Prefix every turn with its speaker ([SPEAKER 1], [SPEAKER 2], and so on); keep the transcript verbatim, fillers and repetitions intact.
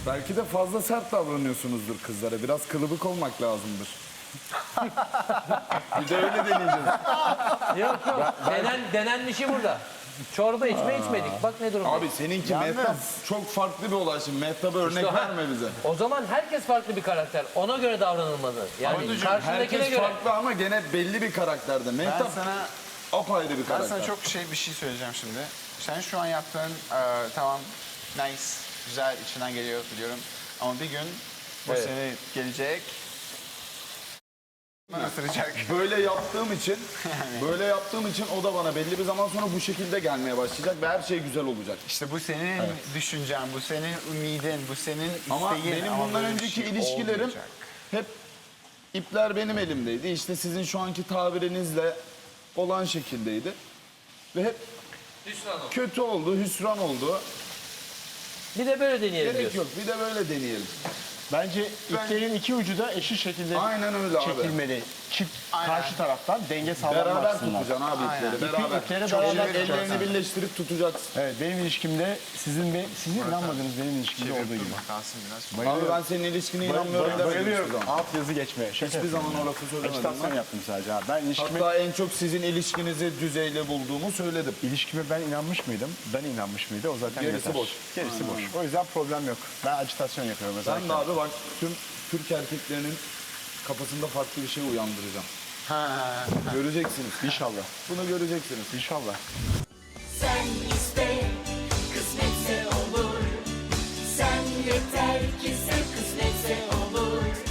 [SPEAKER 1] Belki de fazla sert davranıyorsunuzdur kızlara. Biraz kılıbık olmak lazımdır. Bir de öyle deneyeceğiz.
[SPEAKER 2] Yok yok. Denen, denenmişi burada. Çorba içme içmedik. Bak ne durumda.
[SPEAKER 1] Abi seninki
[SPEAKER 3] Yalnız-
[SPEAKER 1] Mehtap çok farklı bir olay şimdi. Mehtap'a örnek
[SPEAKER 2] İşte ha,
[SPEAKER 1] verme bize.
[SPEAKER 2] O zaman herkes farklı bir karakter. Ona göre davranılmalı. Yani
[SPEAKER 1] Abicim,
[SPEAKER 2] karşındakine
[SPEAKER 1] herkes
[SPEAKER 2] göre.
[SPEAKER 1] farklı ama gene belli bir karakterde.
[SPEAKER 3] Ben
[SPEAKER 1] Mehtap
[SPEAKER 3] sana
[SPEAKER 1] apayrı bir
[SPEAKER 3] ben
[SPEAKER 1] karakter.
[SPEAKER 3] sana çok şey bir şey söyleyeceğim şimdi. Sen şu an yaptığın e, tamam nice, güzel, içinden geliyor biliyorum. Ama bir gün bu
[SPEAKER 2] Evet.
[SPEAKER 3] seni gelecek. Isıracak.
[SPEAKER 1] Böyle yaptığım için, böyle yaptığım için o da bana belli bir zaman sonra bu şekilde gelmeye başlayacak ve her şey güzel olacak.
[SPEAKER 3] İşte bu senin düşüncen, bu senin ümidin, bu senin isteğin.
[SPEAKER 1] Ama benim bundan
[SPEAKER 3] böyle bir
[SPEAKER 1] önceki
[SPEAKER 3] şey
[SPEAKER 1] ilişkilerim
[SPEAKER 3] olmayacak.
[SPEAKER 1] hep ipler benim elimdeydi. İşte sizin şu anki tabirinizle olan şekildeydi. Ve hep kötü oldu, hüsran oldu.
[SPEAKER 2] Bir de böyle deneyelim
[SPEAKER 1] Gerek
[SPEAKER 2] diyorsun.
[SPEAKER 1] yok, bir de böyle deneyelim.
[SPEAKER 4] Bence iplerin iki ucu da eşit şekilde
[SPEAKER 1] Aynen öyle abi.
[SPEAKER 4] çekilmeli. Çift
[SPEAKER 3] Aynen.
[SPEAKER 4] karşı taraftan denge sağlanmak
[SPEAKER 1] Beraber
[SPEAKER 4] açısından.
[SPEAKER 1] tutacaksın abi
[SPEAKER 3] Aynen.
[SPEAKER 1] ipleri,
[SPEAKER 4] İpi,
[SPEAKER 1] beraber.
[SPEAKER 4] ipleri
[SPEAKER 1] Çok
[SPEAKER 4] beraber
[SPEAKER 1] ellerini
[SPEAKER 4] tutacaksın.
[SPEAKER 1] birleştirip tutacaksın.
[SPEAKER 4] Evet, benim ilişkimde sizin ve sizin inanmadığınız benim ilişkimde olduğu gibi.
[SPEAKER 3] Dur kalsın biraz.
[SPEAKER 1] Abi ben senin ilişkine inanmıyorum
[SPEAKER 4] Bay-
[SPEAKER 1] demedim hiçbir
[SPEAKER 4] Bayılıyorum.
[SPEAKER 1] zaman.
[SPEAKER 4] Alt yazı geçmeye. Şaka
[SPEAKER 1] Hiçbir
[SPEAKER 4] yapıyorum.
[SPEAKER 1] zaman o lafı söylemedim
[SPEAKER 4] Ajitasyon
[SPEAKER 1] ben.
[SPEAKER 4] yaptım sadece abi. Ben ilişkime,
[SPEAKER 1] Hatta en çok sizin ilişkinizi düzeyli bulduğumu söyledim.
[SPEAKER 4] ilişkime ben inanmış mıydım? Ben inanmış mıydı? O zaten
[SPEAKER 1] Gerisi
[SPEAKER 4] yeter.
[SPEAKER 1] boş.
[SPEAKER 4] Gerisi boş. O yüzden problem yok. Ben ajitasyon yapıyorum mesela.
[SPEAKER 1] Ben de abi bak tüm Türk erkeklerinin kafasında farklı bir şey uyandıracağım. Göreceksiniz.
[SPEAKER 4] İnşallah.
[SPEAKER 1] Bunu göreceksiniz.
[SPEAKER 4] İnşallah.
[SPEAKER 5] Sen iste, kısmetse olur. Sen yeter ki sev, kısmetse olur.